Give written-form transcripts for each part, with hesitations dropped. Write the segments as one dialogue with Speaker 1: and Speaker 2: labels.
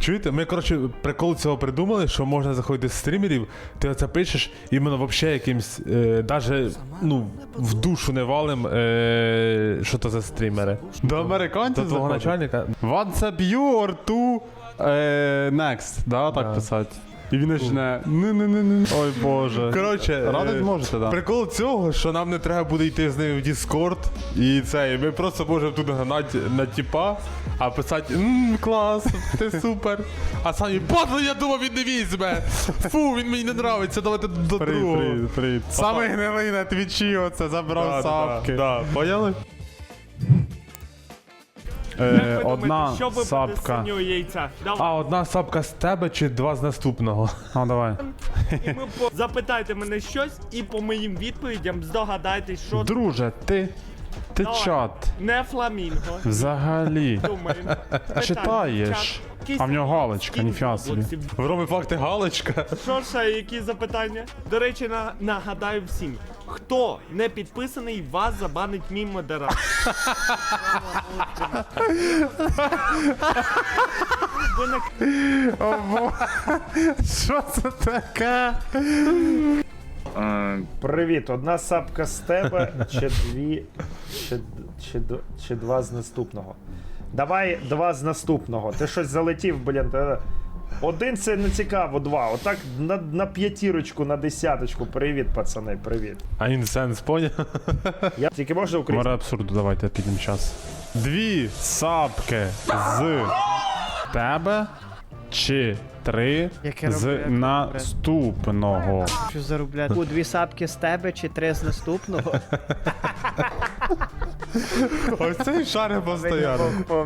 Speaker 1: Чуєте? Ми, коротше, прикол цього придумали, що можна заходити з стрімерів, ти оце пишеш, іменно вообще якимсь, даже, ну, в душу не валим, що то за стрімери.
Speaker 2: До американців
Speaker 1: До твого
Speaker 2: заходить?
Speaker 1: начальника.
Speaker 2: WhatsApp you or to next, да, так писати. І він почне, ой боже.
Speaker 1: Коротше,
Speaker 2: Радить можете, да.
Speaker 1: прикол цього, що нам не треба буде йти з ним в Discord, і це, і ми просто можемо тут гнати на тіпа, а писати, клас, ти супер. А самі, боже, я думав, він не візьме. Фу, він мені не нравиться, давайте до другого.
Speaker 2: Привіт. Саме гнилий на твічі оце забрав сапки.
Speaker 1: Да, поняли?
Speaker 2: Одна
Speaker 3: що ви
Speaker 2: сапка.
Speaker 3: проти синього яйця? Давай.
Speaker 1: А одна сапка з тебе чи два з наступного?
Speaker 2: А, давай.
Speaker 3: І ми запитайте мене щось, і по моїм відповідям здогадайтесь, що
Speaker 2: Друже, ти
Speaker 3: Давай.
Speaker 2: чат
Speaker 3: не фламінго.
Speaker 2: взагалі
Speaker 3: Думаємо.
Speaker 2: читаєш. А в нього галочка, ніфіга собі.
Speaker 1: В Роми факти галочка.
Speaker 3: Що ще, які запитання? До речі, нагадаю всім. Хто не підписаний, вас забанить мій модератор. Ви на
Speaker 2: Що це таке?
Speaker 4: Привіт, одна сапка з тебе, чи дві, чи два з наступного. Давай два з наступного. Ти щось залетів, блін. Один це не цікаво, два. Отак на п'ятірочку, на десяточку. Привіт, пацани, привіт.
Speaker 1: А інсенс, поняв?
Speaker 4: Я тільки можна українською?
Speaker 2: Море абсурду, давайте підемо час. Дві сапки з тебе чи три
Speaker 5: Яке
Speaker 2: з
Speaker 5: роблю, як
Speaker 2: наступного.
Speaker 5: Що заробляти? У дві сапки з тебе чи три з наступного?
Speaker 1: Ось цей шари постійно.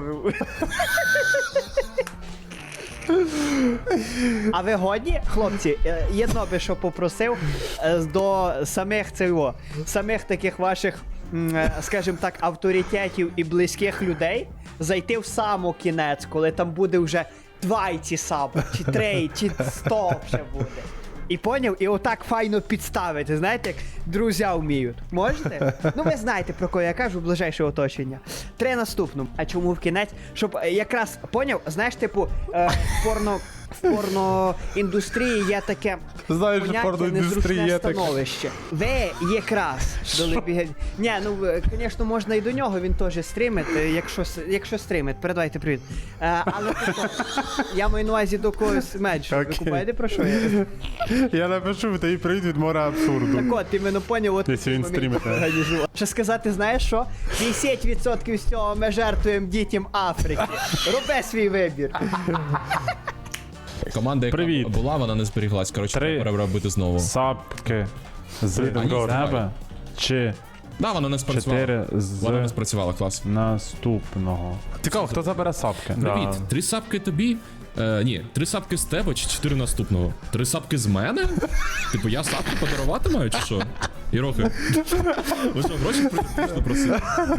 Speaker 5: А ви годні, хлопці? Єдно би що попросив до самих таких ваших, скажімо так, авторитетів і близьких людей зайти в саму кінець, коли там буде вже 20 сапок, чи 3, чи 100 вже буде. І поняв? І отак файно підставити, знаєте, як друзі вміють. Можете? Ну ви знаєте, про кого я кажу, ближайше оточення. 3 наступному. А чому в кінець? Щоб якраз, поняв? Знаєш, типу, в порноіндустрії є таке
Speaker 1: Знаєш, що
Speaker 5: поняття
Speaker 1: порноіндустрії
Speaker 5: незручне
Speaker 1: є таке.
Speaker 5: становище. Ви якраз дали Ні, ну, звісно, можна і до нього, він теж стрімить, якщо стрімить, передавайте привіт. Але тобто, я маю на увазі до когось менше. Ви купаєте про що я?
Speaker 2: Я напишу, тобі привіт від моря абсурду.
Speaker 5: Так от, іменно поняв, от
Speaker 2: Якщо він
Speaker 5: момент
Speaker 2: стрімить, не?
Speaker 5: організував. Що сказати, знаєш що? 50% з цього ми жертвуємо дітям Африки. Роби свій вибір.
Speaker 6: Команда, яка
Speaker 2: Привіт.
Speaker 6: була, вона не зберіглась. Коротше,
Speaker 2: Три.
Speaker 6: треба робити знову.
Speaker 2: Сапки з
Speaker 6: Привіт, Антон.
Speaker 2: тебе чи
Speaker 6: Да, вона не спрацювала.
Speaker 2: 4
Speaker 6: Вона не
Speaker 2: з
Speaker 6: спрацювала, клас.
Speaker 2: наступного. Цікаво, хто забере сапки?
Speaker 6: Привіт,
Speaker 2: Да.
Speaker 6: 3 сапки тобі? Ні, 3 сапки з тебе чи 4 наступного? 3 сапки з мене? Типу, я сапки подарувати маю, чи що? Ірохи. Ви що, гроші просили?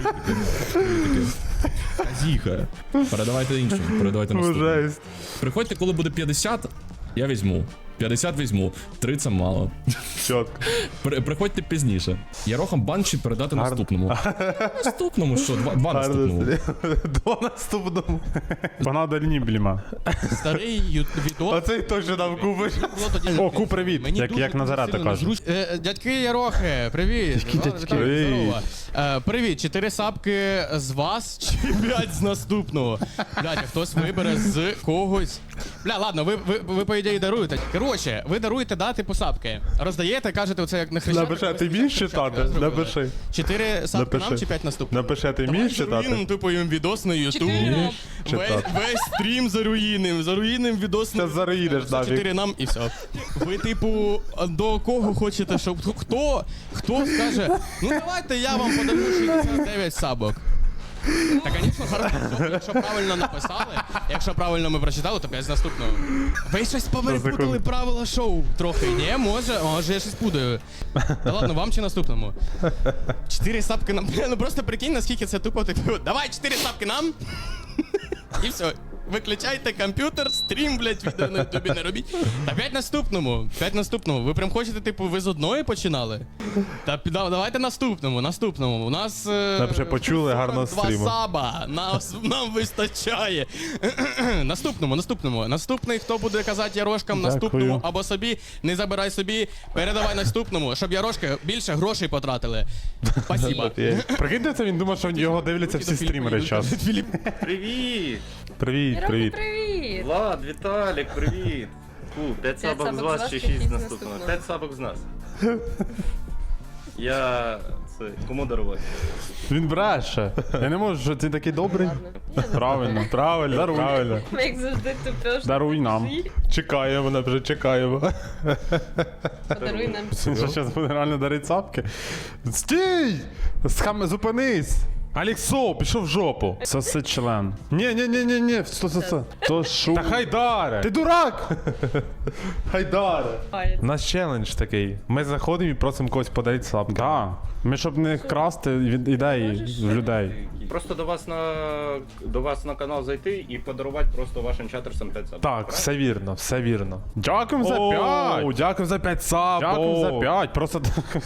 Speaker 6: Казіха. Передавайте іншим, передавайте наступному.
Speaker 1: Жесть.
Speaker 6: Приходьте, коли буде 50, я візьму. 50 візьму, 3 це мало.
Speaker 1: Чітко.
Speaker 6: Приходьте пізніше. Ярохам банчі передати наступному. Наступному що? Два наступному.
Speaker 1: Два наступному.
Speaker 2: Погнав до Нібліма.
Speaker 7: Старий відос.
Speaker 1: Оцей точно нам купиш.
Speaker 7: було тоді.
Speaker 2: О, ку, привіт,
Speaker 7: Мені
Speaker 2: як
Speaker 7: дуже
Speaker 2: Назарета
Speaker 7: сильно
Speaker 2: каже.
Speaker 7: незручно. Дядьки Ярохи, привіт.
Speaker 2: дядьки?
Speaker 7: Здорово. Привіт, 4 сапки з вас чи 5 з наступного? Блядь, а хтось вибере з когось. Бля, ладно, ви по ідеї даруєте. Коротше, ви даруєте дати по сапки. Роздаєте, кажете, оце як на хрещатик.
Speaker 1: Напиши, а ти вмієш читати? Напиши.
Speaker 7: 4 сапки
Speaker 1: Напиши.
Speaker 7: нам чи 5 наступного?
Speaker 1: Напиши, а ти вмієш читати?
Speaker 7: Типу їм відос на Ютуб.
Speaker 1: читати.
Speaker 7: Весь стрім заруїним відос на
Speaker 1: Щас заруїнеш,
Speaker 7: за
Speaker 1: нафіг.
Speaker 7: 4 нам і все. Ви, типу, до кого хочете, щоб хто скаже, ну давайте я вам подарую 69 сабок. Та, звісно, хорошо, якщо правильно написали, якщо правильно ми прочитали, то 5 з наступного. Ви щось поверпутали правила шоу трохи, ні? Може я щось путаю. Та ладно, вам чи наступному? 4 сапки нам. Ну просто прикинь, наскільки це тупо, типу, давай 4 сапки нам. І все. виключайте комп'ютер, стрім, блядь, відео на ютубі не робіть. Та 5 наступному. Ви прям хочете, типу, ви з одної починали? Та давайте наступному. У нас...
Speaker 1: Ми вже почули, гарного
Speaker 7: 42
Speaker 1: стріму.
Speaker 7: саба, нам вистачає. Наступному. Наступний, хто буде казати Ярошкам
Speaker 2: Дякую.
Speaker 7: наступному або собі, не забирай собі, передавай наступному, щоб Ярошки більше грошей потратили. Спасибо.
Speaker 2: Прикиньте, це він думав, що його дивляться всі стрімери зараз.
Speaker 8: Привіт!
Speaker 2: Привіт,
Speaker 9: Яроки,
Speaker 2: привіт.
Speaker 9: привіт!
Speaker 8: Влад, Віталік, привіт! 5 сабок з вас чи 6 з наступного? 5 сабок з нас. Я... це... кому дарувати?
Speaker 2: Він бреше. Я не можу, що ти такий добрий. Правильно, правильно,
Speaker 1: Даруй.
Speaker 2: правильно.
Speaker 9: Як завжди тупеш.
Speaker 2: Даруй нам.
Speaker 1: Чекаємо, вона вже чекаємо.
Speaker 9: Подаруй нам.
Speaker 2: Він що зараз буде реально дарити цапки? Стій! Зупинись!
Speaker 1: Аліксо, пішов в жопу.
Speaker 2: Соси член.
Speaker 1: Ні, сто.
Speaker 2: То шу.
Speaker 1: Та хайдаре!
Speaker 2: Ти дурак!
Speaker 1: Хайдаре!
Speaker 9: Ой,
Speaker 1: У нас челендж такий. Ми заходимо і просимо когось подарити слабки.
Speaker 2: Так. Ми щоб не красти від ідеї в людей.
Speaker 8: Просто до вас на канал зайти і подарувати просто вашим чатерсам 5 сабок.
Speaker 1: Так, все вірно, все вірно.
Speaker 2: Дякуємо за
Speaker 1: О,
Speaker 2: 5!
Speaker 1: дякую за 5 саб.
Speaker 2: Дякуємо за 5, просто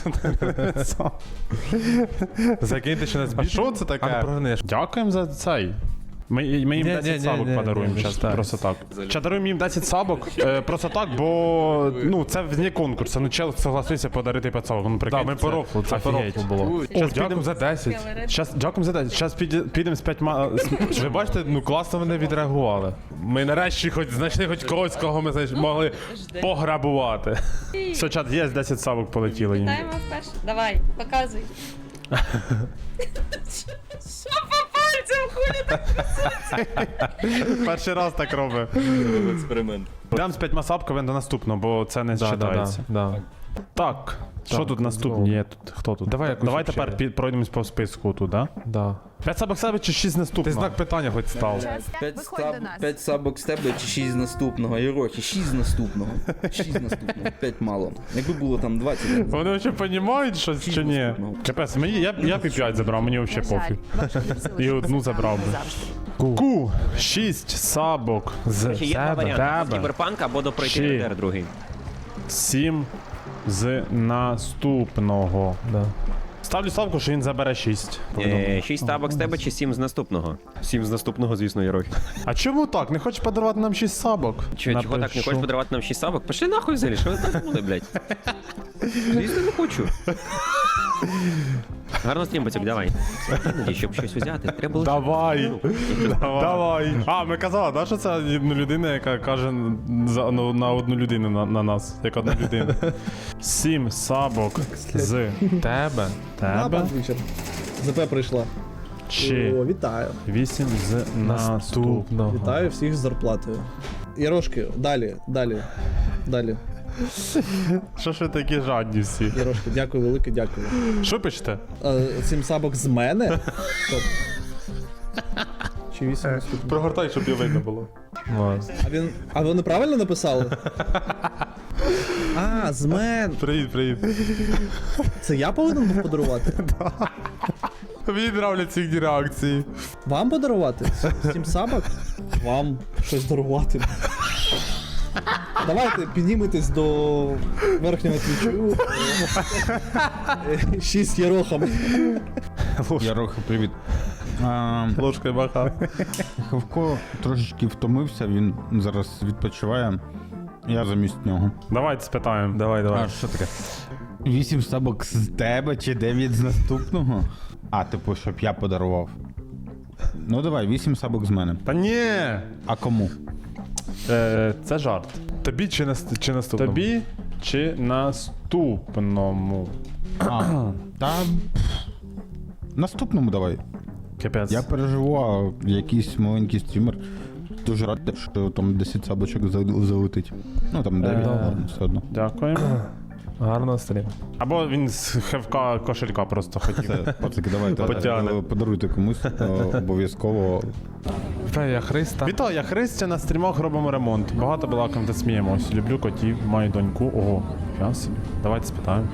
Speaker 1: Закиньте ще нас
Speaker 2: А
Speaker 1: більше.
Speaker 2: що це таке?
Speaker 1: А не прогнеш.
Speaker 2: Дякуємо за цей. Ми їм
Speaker 1: Ні,
Speaker 2: 10
Speaker 1: ні,
Speaker 2: сабок
Speaker 1: ні,
Speaker 2: подаруємо
Speaker 1: ні,
Speaker 2: зараз,
Speaker 1: так.
Speaker 2: просто так. Даруємо їм 10 сабок, просто так, бо ну це вне конкурсу. Ну чел согласився подарити 5 сабок. Ну прикинь,
Speaker 1: Так, ми по рофлу, це по
Speaker 2: офігеть.
Speaker 1: рофлу було. Зараз підемо за 10.
Speaker 2: Щас, дякуємо за 10. Зараз підемо з 5
Speaker 1: Ви бачите, ну класно вони відреагували. Ми нарешті хоч знайшли хоч когось, кого ми могли пограбувати.
Speaker 2: Все, чат, є 10 сабок полетіли їм.
Speaker 9: Вітаємо вперше. Давай, показуй. Що по пальцям хулі так?
Speaker 2: Перший раз так робить.
Speaker 8: Експеримент.
Speaker 2: Дам з 5 сабками до наступного, бо це не вважається. Так, що тут наступні є? Тут хто тут?
Speaker 1: Давай якусь
Speaker 2: Давай
Speaker 1: вообще.
Speaker 2: тепер пройдемось по списку тут, да?
Speaker 1: Да.
Speaker 2: 5 сабок себе чи 6
Speaker 1: Ти
Speaker 2: наступного?
Speaker 1: знак питання хоч став.
Speaker 10: 5 сабок з тебе чи 6 з наступного. Єрохи, 6 з наступного. 6 з наступного, 5 мало. Якби було там 20.
Speaker 2: Вони взагалі розуміють щось чи ні? Капець, я пі 5 забрав, мені взагалі пофіг. І одну забрав би. Ку, 6 сабок з тебе.
Speaker 11: Кіберпанк або до пройти
Speaker 2: Чи.
Speaker 11: РДР другий.
Speaker 2: 7 з наступного.
Speaker 1: Да.
Speaker 2: Ставлю ставку, що він забере 6.
Speaker 11: 6 табок з тебе чи 7 з наступного? 7 з наступного, звісно, Єрохи.
Speaker 2: А чому так? Не хочеш подарувати нам 6 сабок?
Speaker 11: Чого так не
Speaker 2: Напишу.
Speaker 11: хочеш подарувати нам 6 сабок? Пішли нахуй взагалі, що ви так були, блядь? Звісно, не хочу. Гарно стрім, бацюк, давай. Іноді, щоб щось взяти, треба лише...
Speaker 2: Давай. Давай. А, ми казали, да, що це одна людина, яка каже на одну людину на нас, як одна людина. 7 сабок з
Speaker 1: Тебе.
Speaker 2: тебе
Speaker 12: ЗП прийшла.
Speaker 2: чи
Speaker 12: О, вітаю.
Speaker 2: 8 з наступного.
Speaker 12: Вітаю всіх з зарплатою. Ярошки, далі.
Speaker 2: Що ж ви такі жадні всі?
Speaker 12: Ярошки, дякую, велике, дякую.
Speaker 2: Що пишете?
Speaker 12: 7 сабок з мене? Стоп. Чи 8 наступного?
Speaker 1: Прогортай, щоб я видно було.
Speaker 12: А вони правильно написали? А, з мен.
Speaker 1: Привіт.
Speaker 12: Це я повинен був подарувати?
Speaker 1: Мені нравляться їхні реакції.
Speaker 12: Вам подарувати? 7 сабок? Вам щось дарувати. Давайте підніметесь до верхнього твічу. 6 єрохами.
Speaker 13: Яроха, привіт.
Speaker 1: Ложкою махав.
Speaker 13: Хавко трошечки втомився, він зараз відпочиває. Я замість нього.
Speaker 2: Давайте спитаємо.
Speaker 1: Давай.
Speaker 13: Що таке? 8 сабок з тебе чи 9 з наступного? А, типу, щоб я подарував. Ну давай, 8 сабок з мене.
Speaker 2: Та ні!
Speaker 13: А кому?
Speaker 2: Це жарт.
Speaker 1: Тобі чи наступному?
Speaker 2: Тобі чи наступному?
Speaker 13: Та... Наступному давай.
Speaker 2: Капець.
Speaker 13: Я переживу, а якийсь маленький стрімер. Дуже радий, що там 10 сабочок залетить. Ну там 9, ладно, все одно.
Speaker 2: Дякуємо.
Speaker 1: Гарного стріму.
Speaker 2: Або він з хевка кошелька просто хотів.
Speaker 13: Пацики, давайте
Speaker 2: Потягне.
Speaker 13: подаруйте комусь обов'язково.
Speaker 1: Я Христа.
Speaker 2: Вітаю, я Христя, на стрімах робимо ремонт. Багато балакам та сміємось. Люблю котів, маю доньку. Ого, я собі. Давайте спитаємо.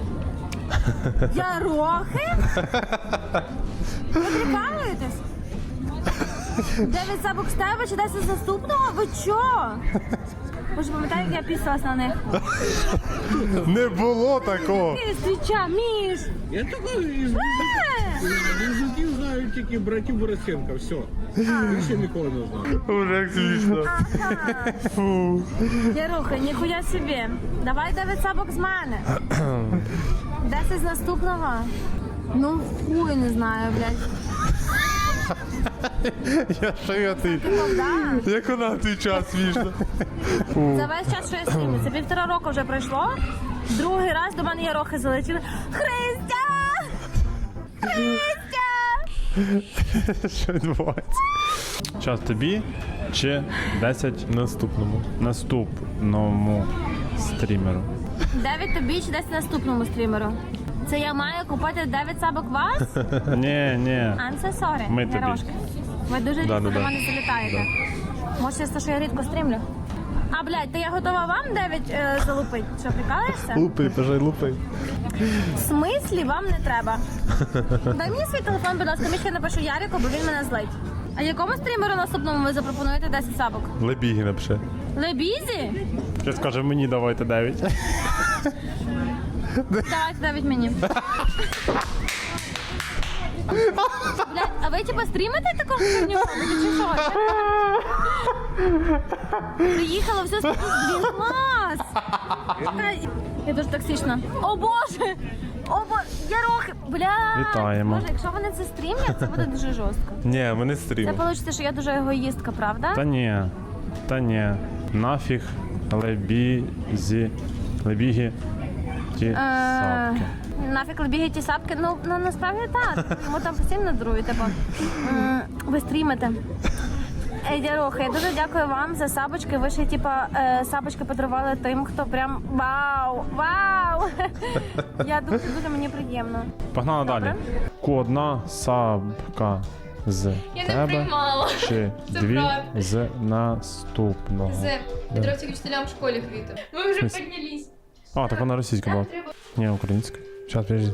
Speaker 9: Ярохи? Ви прикалуєтесь? 9 сабок з тебе чи 10 з наступного? Ви чо? Ви ж пам'ятаєте, як я пісалась на них?
Speaker 1: Не було такого.
Speaker 9: Ти, свіча, Міш!
Speaker 8: Я такий близнюків знаю тільки братів Борисенка, все. Більше нікого не знаю.
Speaker 1: Уже як смішно.
Speaker 9: Яруха, ніхуя собі. Давай 9 сабок з мене. 10 з наступного. Ну, хуй не знаю, блядь.
Speaker 1: Я ти.
Speaker 9: Да.
Speaker 1: Як вона в той час смішно.
Speaker 9: За весь час, що я стрімлю. Це 1,5 року вже пройшло. Другий раз до мене Ярохи залетіли. Христя! Христя!
Speaker 2: Що відбувається? Час тобі чи 10 наступному стрімеру?
Speaker 9: 9 тобі чи 10 наступному стрімеру. Це я маю купити 9 сабок вас?
Speaker 2: Ні.
Speaker 9: I'm so sorry,
Speaker 2: Ми тобі.
Speaker 9: Ярошки. Ви дуже рідко до мене залітаєте. Може, це те, що я рідко стрімлю? А, блядь, то я готова вам 9 залупить. Що, прикалуєшся?
Speaker 1: Лупи, бажай лупи.
Speaker 9: В смислі вам не треба? Дай мені свій телефон, будь ласка, я напишу Ярику, бо він мене злить. А якому стрімеру наступному ви запропонуєте 10 сабок?
Speaker 1: Лебіги напиши.
Speaker 9: Лебізі?
Speaker 2: Що скаже мені, давайте 9.
Speaker 9: Давайте 9 мені. Блядь, а ви типа стрімите таку херню? Чи що? Приїхала, все блін, клас! Я дуже токсична. О боже! О боже! Ярохи! Бля!
Speaker 2: Вітаємо.
Speaker 9: Боже, якщо вони це стрімлять, це буде дуже жорстко.
Speaker 1: Ні, ми не
Speaker 9: Це
Speaker 1: стрімимо.
Speaker 9: вийде, що я дуже егоїстка, правда?
Speaker 2: Та ні. Нафіг лебіги ті сапки.
Speaker 9: Нафіг лебіги ті сапки, ну насправді так. Йому там постійно дарують, типу. Ви стрімите. Ярохи, я дуже дякую вам за сабочки. Ви ще, типа, сабочки подарували тим, хто прям вау! Я дуже мені приємно.
Speaker 2: Погнали далі. Одна сапка з
Speaker 9: Я не
Speaker 2: тебе
Speaker 9: приймала.
Speaker 2: чи
Speaker 9: Це
Speaker 2: 2
Speaker 9: правда.
Speaker 2: з наступного.
Speaker 9: Петровським вчителям в школі квіти. Ви вже
Speaker 2: Смис-
Speaker 9: піднялись.
Speaker 2: А, так вона російська була. Ні, українська. Зараз, подожди.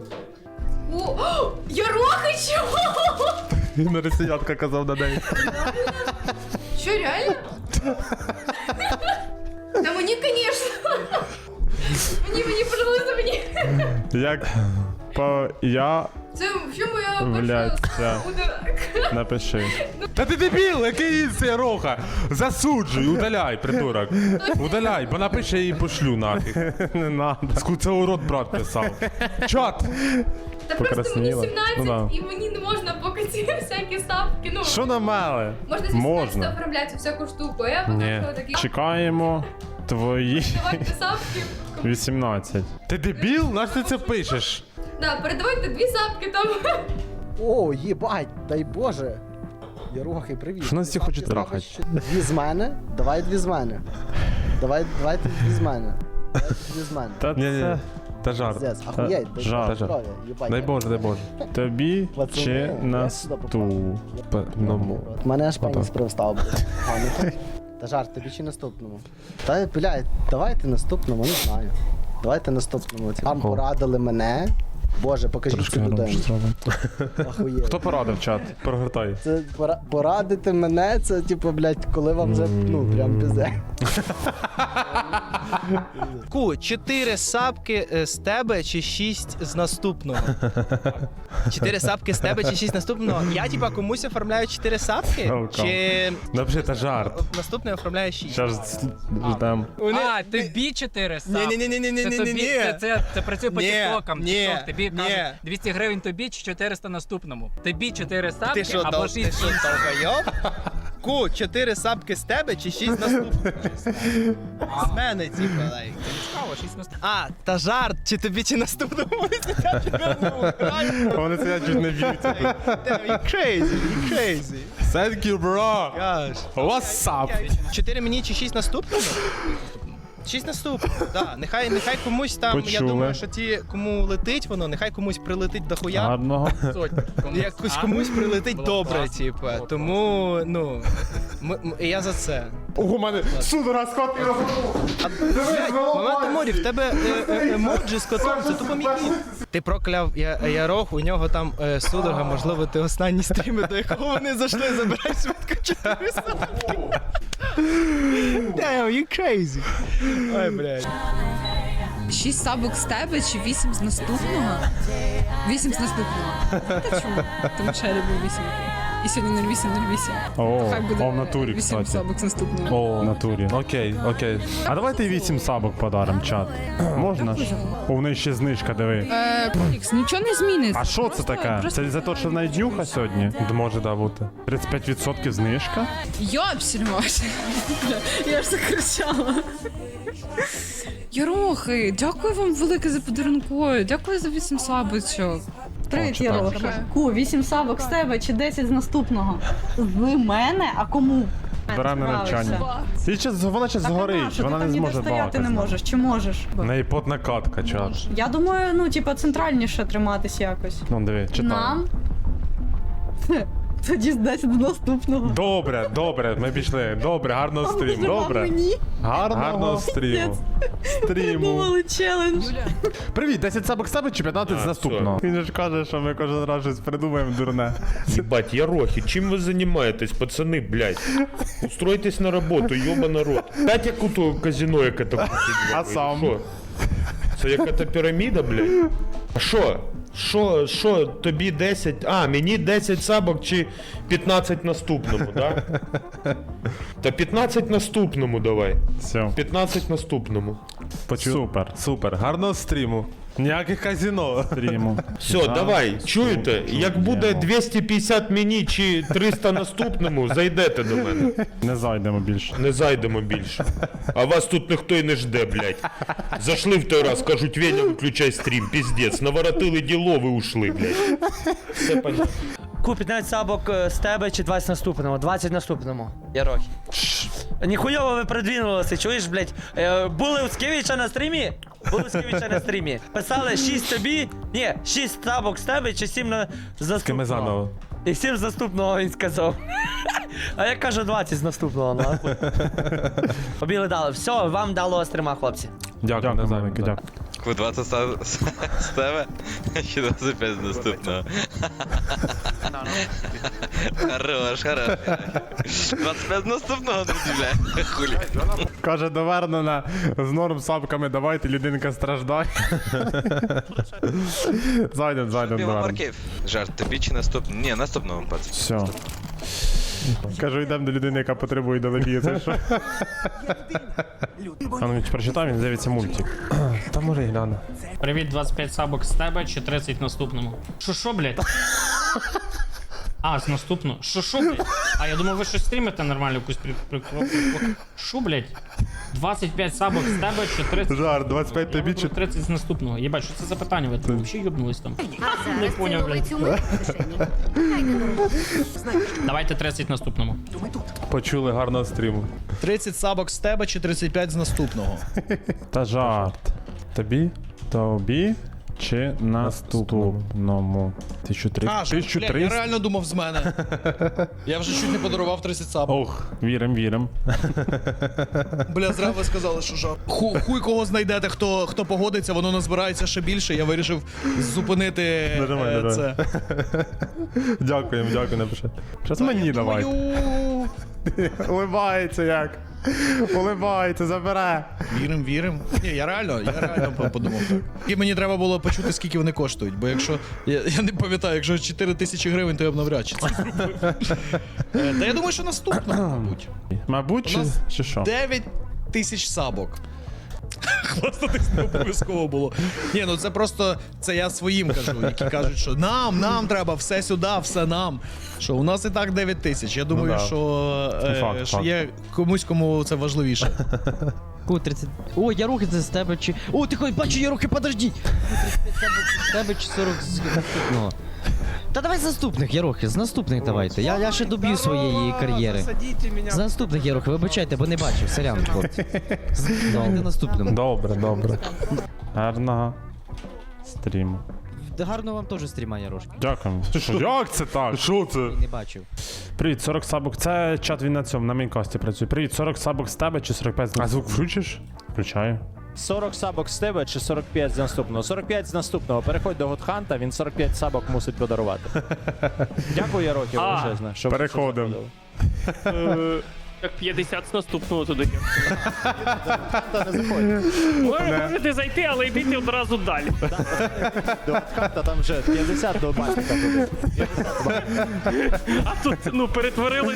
Speaker 9: Ярохи, чого?
Speaker 1: На росіянка казав на день.
Speaker 9: Що, реально? Та мені, звісно. Мені, пожалуйста, мені.
Speaker 2: Як я
Speaker 9: Це що моя
Speaker 2: вляться. Напиши.
Speaker 1: Та ти дебіл, який це роха? Засуджуй, удаляй, придурок. Удаляй, бо напише і пошлю нафіг.
Speaker 2: Не надо.
Speaker 1: Це урод брат писав. Чат!
Speaker 9: Та просто мені
Speaker 2: Покрасніла.
Speaker 9: 17
Speaker 2: Ну да.
Speaker 9: і мені не можна поки ці всякі ставки. Ну,
Speaker 2: Що намели?
Speaker 9: можна зі 17 оформляти всяку штуку, а я
Speaker 2: Ні.
Speaker 9: поки такі.
Speaker 2: Чекаємо твої
Speaker 9: Давайте сапки.
Speaker 2: 18.
Speaker 1: Ти дебіл? Наш ти це пишеш?
Speaker 9: Да, передавайте 2 сапки там.
Speaker 14: О, їбать, дай Боже. Ярухи, привіт.
Speaker 2: Що нас всі хочуть трахати?
Speaker 14: 2 з мене? Давай 2 з мене. Давайте 2 з мене. Давайте 2 з мене.
Speaker 2: Та це
Speaker 1: Та жарт.
Speaker 14: Пиздец, ахуєть, дай
Speaker 2: жарт.
Speaker 14: Боже здоров'я, їбать.
Speaker 1: Дай Боже, дай Боже.
Speaker 2: тобі
Speaker 14: Пацани,
Speaker 2: чи
Speaker 14: я
Speaker 2: наступному.
Speaker 14: Мене аж пеніс привстав, блядь. Та жарт, тобі чи наступному? Та, блядь, давайте наступному, не знаю. Давайте наступному. Там порадили мене. Боже, покажіть цю людину. Ахуєть.
Speaker 2: Хто порадив чат?
Speaker 1: Прогортай.
Speaker 14: Це порадити мене, це типу, блядь, коли вам вже, ну, прям пізде.
Speaker 15: 4 сапки з тебе чи 6 з наступного? 4 сапки з тебе чи 6 наступного? Я типа комусь оформляю 4 сапки? Чи
Speaker 1: Напиши, та жарт.
Speaker 15: наступний оформляє 6?
Speaker 2: Зараз ждем.
Speaker 16: А, тобі 4 сапки.
Speaker 15: Ні-ні-ні-ні-ні-ні-ні.
Speaker 16: Це працює по
Speaker 15: Ні,
Speaker 16: тіктокам.
Speaker 15: ні,
Speaker 16: TikTok. Тобі
Speaker 15: ні.
Speaker 16: кажуть 200 гривень тобі чи 400 наступному. Тобі 4
Speaker 15: Ти
Speaker 16: сапки
Speaker 15: що,
Speaker 16: або
Speaker 15: ти
Speaker 16: 6
Speaker 15: що, долбойоб? 4 сапки з тебе чи 6 з наступного? З мене, типа, лайк.
Speaker 16: Цікаво, 6 наступного.
Speaker 15: А, та жарт, чи тобі чи наступному?
Speaker 2: Вони це чуть не б'ють.
Speaker 15: You crazy.
Speaker 1: Thank you, bro.
Speaker 15: Gosh.
Speaker 1: What's up?
Speaker 15: 4 мені чи 6 наступного? 6 наступного, да. Нехай комусь там, я
Speaker 2: Почули.
Speaker 15: думаю, що кому летить воно, нехай комусь прилетить до хуя.
Speaker 2: Гарного.
Speaker 15: Якось комусь прилетить добре, типа. Тому, ну, я за це.
Speaker 2: У мене судора з кот і
Speaker 15: Момент Аморі, в тебе емоджі з котом, це тупо мій кіт. Ти прокляв Ярох, у нього там судорога, можливо, ти останні стріми, до якого вони зайшли, забирай швидко 4 сапки. Damn, you crazy. Ой, блядь.
Speaker 17: 6 сабок з тебе чи 8 з наступного? 8 з наступного. Та чому? Тому що я люблю 8. І сьогодні 0808.
Speaker 2: О,
Speaker 17: Хай буде
Speaker 2: в натурі,
Speaker 17: 8
Speaker 2: кстати.
Speaker 17: сабок з наступного.
Speaker 2: О, в натурі. Окей, окей. А давайте 8 сабок подарим, чат. Можна ж? О, в неї ще знижка, диви.
Speaker 17: Полікс, нічого не зміниться.
Speaker 2: А що це таке? Це за те, що в неї днюха сьогодні? Може, да, бути. 35% знижка?
Speaker 17: Йопсільмось. Я ж закричала. Ярохи, дякую вам велике за подарункою. Дякую за 8 сабочок.
Speaker 18: Привіт, Ярохи. 8 сабок з тебе чи 10 з наступного? З мене? А кому?
Speaker 2: Беремо на навчання. Вона ще згорить, вона не зможе
Speaker 18: стояти
Speaker 2: балакати.
Speaker 18: не можеш, чи можеш?
Speaker 2: В неї потна катка, чат.
Speaker 18: Я думаю, ну, типа, центральніше триматись якось.
Speaker 2: Ну, диви, читай.
Speaker 18: Нам? Тоді 10 до наступного.
Speaker 2: Добре, добре, ми пішли. Добре, гарного стріму. Добре. Гарного стріму.
Speaker 18: Придумали челендж.
Speaker 2: Привіт, 10 сабок з тебе чи 15 з наступного? Він ж каже, що ми кожен раз щось придумаємо дурне.
Speaker 19: Ебать, Ярохи, чем вы занимаетесь, пацаны, блядь? Устройтесь на работу, ёба народ. Дайте яку-то казино, яке то
Speaker 2: А сам?
Speaker 19: Що? Це яка-то піраміда, блядь? А що, тобі 10, мені 10 сабок чи 15 наступному, да? Та 15 наступному давай.
Speaker 2: Все.
Speaker 19: 15 наступному.
Speaker 2: Супер. Гарного стріму. Ніяких казино. Стріму.
Speaker 19: Все, давай, чуєте? Як буде 250 мені чи 300 наступному, зайдете до мене.
Speaker 2: Не зайдемо більше.
Speaker 19: Не зайдемо більше. А вас тут ніхто й не жде, блядь. Зайшли в той раз, кажуть, Веня, виключай стрім, піздець. Наворотили діло, ви ушли, блядь. Все понятно.
Speaker 20: Ку 15 сабок з тебе чи 20 наступному? 20 наступному. Ярохи. Ніхуйово ви придвинулися, чуєш, блядь? Були у Скевіча на стрімі? Були у Скевіча на стрімі. Писали 6 тобі, ні, 6 сабок з тебе чи 7 на заступного.
Speaker 2: заново.
Speaker 20: І 7 з наступного він сказав. А я кажу 20 з наступного, нахуй. Побігли дали. Все, вам дало стрима, хлопці.
Speaker 2: Дякую, дякую.
Speaker 21: Ку 20 з тебе чи 25 з наступного. Хорош. 25 з наступного, друзі, бля. Хулі.
Speaker 2: Каже, довернена з норм сабками, давайте, людинка страждає. Зайдем, довернено.
Speaker 21: Марків. Жарт, тобі чи наступного? Ні, наступного, пацан.
Speaker 2: Все. Кажу, йдемо до людини, яка потребує долебії, це що? А ну прочитай, він дивиться мультик. Та може і гляну.
Speaker 16: Привіт, 25 сабок з тебе чи 30 наступному? Шо, блядь? З наступного. Шо, блядь? А я думав, ви щось стрімите нормально, якусь прикол. Шо, блядь? 25 сабок з тебе чи 30?
Speaker 2: Жар, 25 тобі чи
Speaker 16: 30 з наступного. Єбать, що це за питання? Ви там взагалі юбнулись там? Не поняв, блядь. Давайте 30 наступному.
Speaker 2: Почули, гарного стріму.
Speaker 12: 30 сабок з тебе чи 35 з наступного?
Speaker 2: Та жарт. Тобі чи наступному? 1300.
Speaker 12: Блядь, я реально думав з мене. Я вже чуть не подарував 30 сабок.
Speaker 2: Ох, вірим.
Speaker 12: Бля, зря ви сказали, що жарт. Хуй кого знайдете, хто погодиться, воно назбирається ще більше. Я вирішив зупинити це.
Speaker 2: Дякуємо, напиши. Щас мені давай. Улибається як. Улибається, забере.
Speaker 12: Вірим. Ні, я реально подумав так. І мені треба було почути, скільки вони коштують, бо якщо, я не пам'ятаю, якщо 4 тисячі гривень, то я б навряд чи це зробив. Та я думаю, що наступного, мабуть.
Speaker 2: Мабуть, чи що?
Speaker 12: 9 тисяч сабок. Хвастатись не обов'язково було. Ні, ну це просто, це я своїм кажу, які кажуть, що нам треба, все сюди, все нам. Що у нас і так 9 тисяч. Я думаю, що є комусь, кому це важливіше.
Speaker 20: Ку 30. О, Ярохи, це з тебе чи... О, ти хоч бачу, Ярохи, подожди. 35 з тебе чи 40 з наступного. Та давай з наступних, Ярохи, з наступних давайте. Я ще доб'ю своєї кар'єри. З наступних, Ярохи, вибачайте, бо не бачив, сорян, хлопці. Давайте наступним.
Speaker 2: Добре. Гарного стріму.
Speaker 20: гарного вам теж стріма, Ярошки.
Speaker 2: Дякую. Як це так? Що це?
Speaker 20: Не бачив.
Speaker 2: Привіт, 40 сабок. Це чат він на цьому, на мейнкасті працює. Привіт, 40 сабок з тебе чи 45 з нас? А звук включиш? Включаю.
Speaker 3: 40 сабок з тебе чи 45 з наступного? 45 з наступного. Переходь до Готханта, він 45 сабок мусить подарувати. Дякую, Ярохі, величезне. що-
Speaker 2: Переходимо.
Speaker 22: Так 50 з наступного туди.
Speaker 3: Та не заходь.
Speaker 22: Можете зайти, але йдіть одразу далі.
Speaker 3: До Готханта там вже 50 до Балтика.
Speaker 22: А тут, ну, перетворилось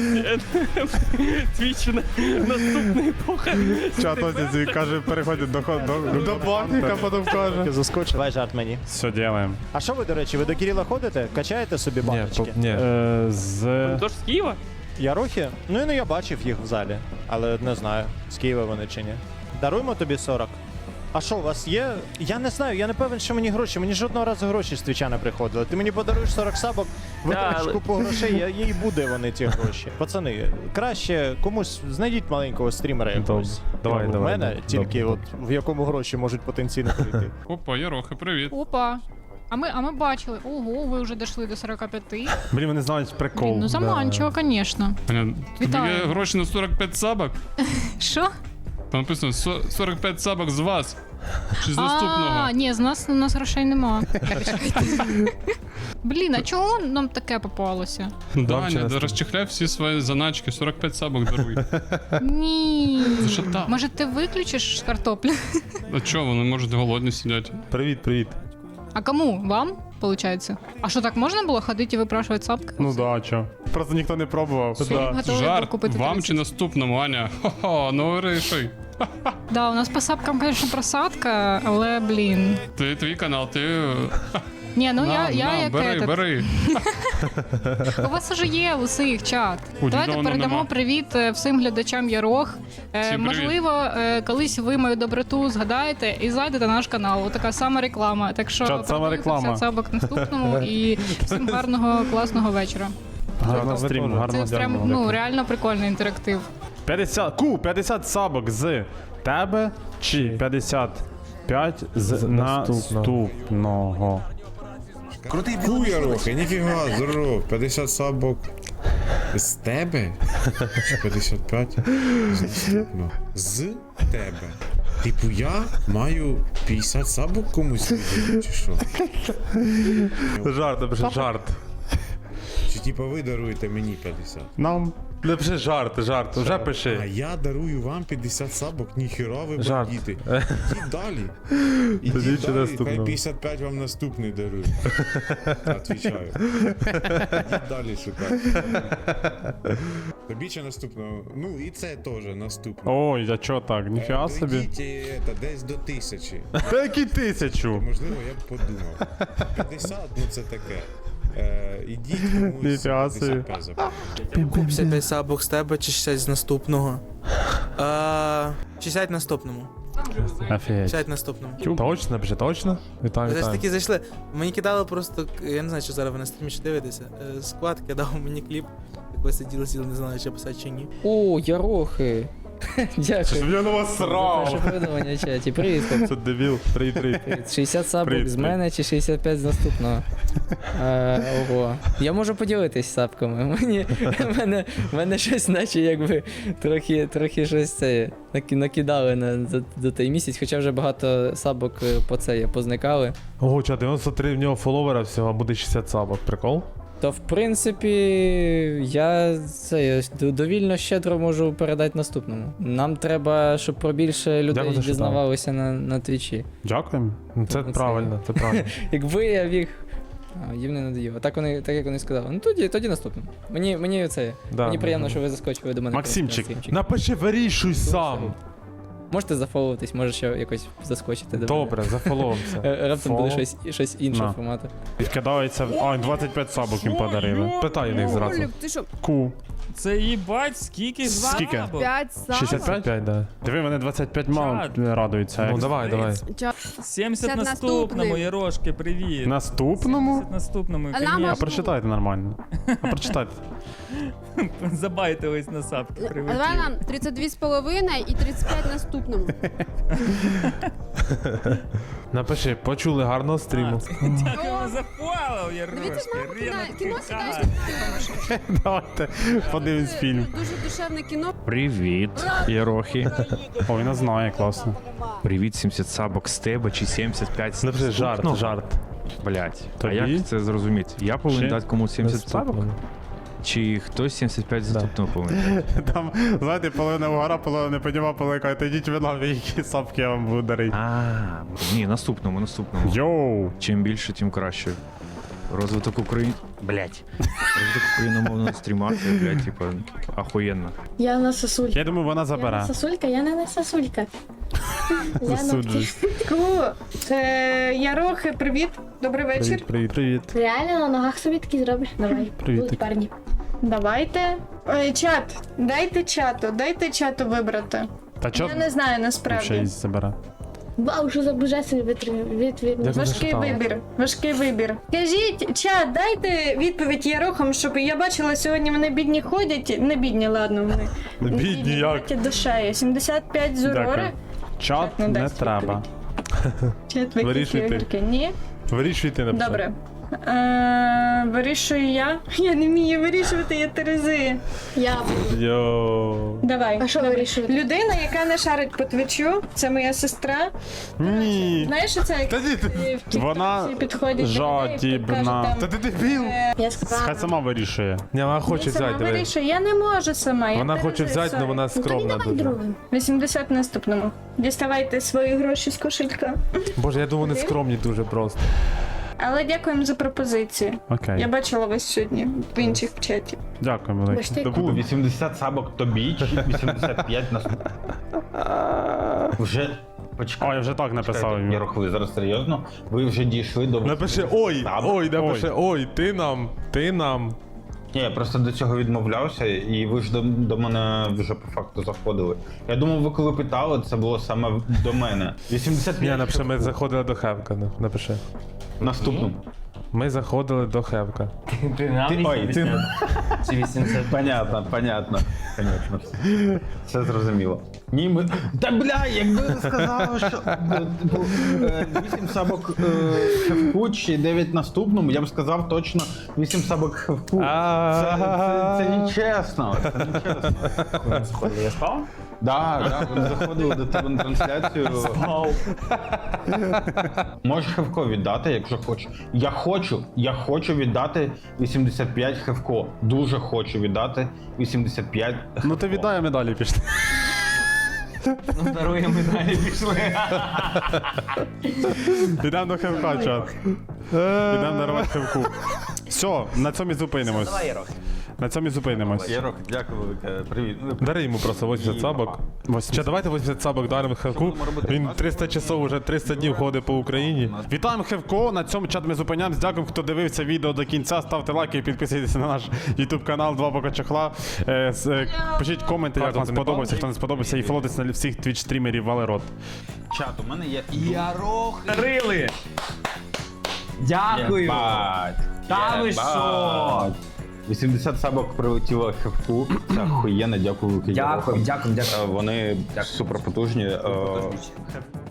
Speaker 22: твіч на наступний епоха.
Speaker 2: Чат ось каже, переходить до банка, потім каже.
Speaker 3: Заскочив. Давай жарт мені.
Speaker 2: Все, ділаємо.
Speaker 3: А що ви, до речі, ви до Кирила ходите? Качаєте собі баночки?
Speaker 2: Ні.
Speaker 22: Тож з Києва?
Speaker 3: Ярохи? Ну я бачив їх в залі, але не знаю, з Києва вони чи ні. Даруємо тобі 40. А що, у вас є? Я не знаю, я не певен, що мені гроші. Мені жодного разу гроші з твіча не приходили. Ти мені подаруєш 40 сабок, витратиш купу грошей, їй буде вони ті гроші. Пацани, краще комусь знайдіть маленького стрімера якогось.
Speaker 2: Давай.
Speaker 3: У мене тільки от в якому гроші можуть потенційно прийти.
Speaker 2: Опа, Ярохи, привіт.
Speaker 23: Опа. А ми бачили. Ого, ви вже дійшли до 45.
Speaker 2: Блін, вони знають прикол.
Speaker 23: Блін, ну заманчиво, звісно.
Speaker 2: Тобі
Speaker 23: Вітаю.
Speaker 2: є гроші на 45 сабок?
Speaker 23: Що?
Speaker 2: Там написано 45 сабок з вас. Чи з
Speaker 23: А,
Speaker 2: наступного?
Speaker 23: ні, у нас грошей нема. Блін, а чого нам таке попалося?
Speaker 2: Даня, розчехляй всі свої заначки, 45 сабок даруй.
Speaker 23: Ні.
Speaker 2: За що так?
Speaker 23: Може ти виключиш картоплю?
Speaker 2: А чого, вони можуть голодні сидять? Привіт.
Speaker 23: А кому? Вам, виходить? А що, так можна було ходити і випрашувати сапки?
Speaker 2: Ну да, чо. Просто ніхто не пробував.
Speaker 23: готові
Speaker 2: Жарт,
Speaker 23: купити
Speaker 2: вам
Speaker 23: 30.
Speaker 2: чи наступному, Аня? Хо-хо, ну вирішуй.
Speaker 23: Да, у нас по сапкам, звісно, просадка, але, блін.
Speaker 2: Твій канал, ти...
Speaker 23: Ні, ну я як
Speaker 2: бери.
Speaker 23: У вас уже є усіх чат. Давайте
Speaker 2: давно
Speaker 23: передамо
Speaker 2: нема.
Speaker 23: привіт всім глядачам Ярох.
Speaker 2: Всім
Speaker 23: Можливо, колись ви мою доброту згадаєте і зайдете на наш канал. Така сама реклама. Так що
Speaker 2: Чат, сама
Speaker 23: передаю
Speaker 2: реклама.
Speaker 23: 50 сабок наступному і всім гарного, класного вечора.
Speaker 2: Гарного стріму, гарного
Speaker 23: Це прям, ну, реально прикольний інтерактив.
Speaker 2: 50 сабок з тебе чи 55 з наступного?
Speaker 24: Крутий Ярохи, ніфіга, здоров, 50 сабок з тебе? Чи 55 з наступного? З тебе. Типу я маю 50 сабок комусь видати, чи що?
Speaker 2: Жарт.
Speaker 24: Чи типу ви даруєте мені 50?
Speaker 2: Нам напиши жарт, вже пиши.
Speaker 24: А я дарую вам 50 сабок, ніхіра ви
Speaker 2: Жарт.
Speaker 24: бандіти. Ідіть далі. Ідіть далі, хай 55 вам наступний дарує. Отвічаю. Ідіть далі шукати. Тобі чи наступного? Ну і це теж наступного.
Speaker 2: Ой, а чо так? Ніфіга собі.
Speaker 24: Дойдіть десь до 1000.
Speaker 2: Та які 1000?
Speaker 24: Можливо, я б подумав. 50, ну це таке. Ідіть комусь
Speaker 2: Ніфіга собі.
Speaker 24: 55 запам'ятайте.
Speaker 25: 55 сабок з тебе чи 60 з наступного? 60 наступному.
Speaker 2: Офігеть.
Speaker 25: 60 наступному.
Speaker 2: Точно, напиши, точно? Вітаю,
Speaker 25: Ви ж
Speaker 2: вітаю.
Speaker 25: таки зайшли. Мені кидали просто, я не знаю, чи зараз ви на стрімі чи дивитеся. Склад кидав мені кліп. Як ви сиділи, не знали, чи писати чи ні.
Speaker 10: О, Ярохи. Дякую.
Speaker 2: Я на вас срав.
Speaker 10: Ваше повідомлення в чаті. Привіт.
Speaker 2: Це дебіл. Привіт.
Speaker 10: 60 сабок з мене чи 65 з наступного? Ого. Я можу поділитись сапками. Мене щось наче якби трохи щось це накидали за той місяць, хоча вже багато сабок по це позникали.
Speaker 2: Ого, чат, 93 в нього фоловера всього, а буде 60 сабок. Прикол?
Speaker 10: То в принципі я це довільно щедро можу передати наступному. Нам треба, щоб про більше людей
Speaker 2: Дякую, що
Speaker 10: дізнавалося на твічі.
Speaker 2: Дякуємо. Це правильно, це правильно.
Speaker 10: Якби я міг. Їм не надоїло. Так як вони сказали. Ну тоді наступному. Мені це.
Speaker 2: Да,
Speaker 10: мені приємно,
Speaker 2: да.
Speaker 10: що ви заскочили до мене.
Speaker 2: Максимчик, напиши, вирішуй сам.
Speaker 10: Можете зафоловитись, може ще якось заскочити до
Speaker 2: Добре, зафоловимося.
Speaker 10: Раптом буде щось іншого
Speaker 2: На.
Speaker 10: формату.
Speaker 2: Відкидається. 25 сабок їм подарили. Питай у них зразу.
Speaker 26: Ти що?
Speaker 2: Ку.
Speaker 27: Це їбать, скільки
Speaker 2: Скільки?
Speaker 26: 5 сабок.
Speaker 2: 65, да. Диви, мене 25 мало радуються. Ну давай.
Speaker 27: 70 наступному, Ярошки, привіт.
Speaker 2: Наступному?
Speaker 27: 70 наступному,
Speaker 26: А нам
Speaker 27: конечно.
Speaker 2: А прочитайте нормально. А прочитайте.
Speaker 27: Забайтились на сапки,
Speaker 26: А
Speaker 27: привіт.
Speaker 26: давай нам 32,5 і 35 наступному.
Speaker 1: Напиши, почули гарного стріму.
Speaker 27: Дякуємо за фоллоу, Ярошки.
Speaker 17: Кіно сідаєш.
Speaker 2: Давайте подивимось фільм.
Speaker 17: Дуже душевне кіно.
Speaker 2: Привіт, Єрохи. О, він нас знає, класно.
Speaker 4: Привіт, 70 сабок з тебе чи 75 з
Speaker 2: Напиши жарт, жарт.
Speaker 4: Блять, а
Speaker 2: Тобі?
Speaker 4: як це зрозуміти? Я повинен
Speaker 2: Чи
Speaker 4: дати комусь 70 сабок?
Speaker 2: наступному?
Speaker 4: Чи хтось 75 з наступного повинен?
Speaker 2: Там, знаєте, половина вгора, половина не подіма, половина каже, та йдіть ви нахуй, які сапки я вам буду дарити.
Speaker 4: Ні, наступному.
Speaker 2: Йоу!
Speaker 4: Чим більше, тим краще. Розвиток Розвиток україномовного стріма, це, блядь, типа, ахуєнно.
Speaker 9: Я на сосулька.
Speaker 2: Я думаю, вона забере.
Speaker 9: Сосулька, я не сосулька.
Speaker 2: Засуджуюсь.
Speaker 18: Ярохи, привіт. Добрий вечір.
Speaker 2: Привіт.
Speaker 9: Реально на ногах собі такі зробиш? Давай.
Speaker 2: Привіт.
Speaker 9: Будуть парні.
Speaker 18: Давайте. Чат, дайте чату вибрати.
Speaker 2: Та чо?
Speaker 18: Я не знаю
Speaker 2: Ще
Speaker 18: насправді.
Speaker 2: й забере.
Speaker 9: Вау, що за божественний відповідь.
Speaker 18: Важкий вибір. Кажіть, чат, дайте відповідь Ярохам, щоб я бачила, сьогодні вони бідні ходять. Не бідні, ладно, вони.
Speaker 2: Бідні як?
Speaker 18: Ходять душею. 75 з Урори.
Speaker 2: Дякую. Чат
Speaker 18: не
Speaker 2: не
Speaker 18: дасть
Speaker 2: треба.
Speaker 18: Чат
Speaker 2: Вирішуй ти.
Speaker 18: викидки. Ні?
Speaker 2: Вирішуй ти, написав.
Speaker 18: Добре. Вирішую я. Я не вмію вирішувати, я Терези.
Speaker 9: Я
Speaker 2: Йоу.
Speaker 18: Давай.
Speaker 9: А що вирішуєте?
Speaker 18: Людина, яка не шарить по твічу, це моя сестра.
Speaker 2: Ні.
Speaker 18: Знаєш, що це як в
Speaker 2: Вона
Speaker 18: TikTok підходять до людей,
Speaker 2: жадібна.
Speaker 18: кажуть там,
Speaker 2: Та ти дебіл.
Speaker 18: Я
Speaker 2: Хай сама вирішує.
Speaker 1: Ні, вона хоче
Speaker 18: я сама
Speaker 1: взяти, диви.
Speaker 18: вирішую, я не можу сама. я
Speaker 1: Вона хоче
Speaker 18: Терези,
Speaker 1: взяти, але
Speaker 18: sorry.
Speaker 1: вона скромна дуже.
Speaker 18: 80 наступному. Діставайте свої гроші з кошелька.
Speaker 1: Боже, я думаю, вони скромні дуже просто.
Speaker 18: Але дякуємо за пропозицію.
Speaker 2: Окей.
Speaker 18: Я бачила вас сьогодні в інших чаті.
Speaker 2: Дякую, велике.
Speaker 5: 80 сабок тобі чи 85 на Вже почекай.
Speaker 2: Ой, я вже так написав йому.
Speaker 5: Ярох, ви зараз серйозно? Ви вже дійшли до...
Speaker 1: Напиши ой, ти нам.
Speaker 5: Ні, я просто до цього відмовлявся, і ви ж до мене вже по факту заходили. Я думав, ви коли питали, це було саме до мене. 85.
Speaker 1: Ні, напиши, ми заходили до Хевка, напиши.
Speaker 5: Наступну.
Speaker 1: Ми заходили до Хевка.
Speaker 5: Чи 80? Понятно. Все зрозуміло. Ні, ми... Та бля, якби ви сказали, що 8 сабок Хевку чи 9 наступному, я б сказав точно 8 сабок Хевку. Це нечесно.
Speaker 20: Я спав?
Speaker 5: Так, вони заходили до тебе на трансляцію. Можеш Хевко віддати, якщо хочеш. Я хочу віддати 85 Хевко. Дуже хочу віддати 85 Хевко.
Speaker 2: Ну ти віддай, а ми далі пішли.
Speaker 5: Ну, даруємо далі пішли.
Speaker 2: Підемо до Хевка, чат. Підемо дарувати Хевку. Все, на цьому і зупинимось. На цьому і зупинимось.
Speaker 5: Ярох, дякую велике. Привіт.
Speaker 1: Дари йому просто 80 сабок. Ще давайте 80 сабок даримо Хевку. Він 300 часов, уже 300 днів ходить по Україні.
Speaker 2: Вітаємо Хевко, на цьому чат ми зупиняємось. Дякую, хто дивився відео до кінця. Ставте лайки і підписуйтесь на наш YouTube канал Два Бока Чохла. Пишіть коменти, як вам сподобався, хто не сподобався, і фоловтесь на всіх твіч-стрімерів Валерот.
Speaker 5: Чат, у мене є...
Speaker 20: Ярох! Рили! Дякую! Та ви що?
Speaker 5: 80 сабок прилетіло Хевку. Це охуєнно, дякую.
Speaker 20: Дякую.
Speaker 5: Вони супер потужні.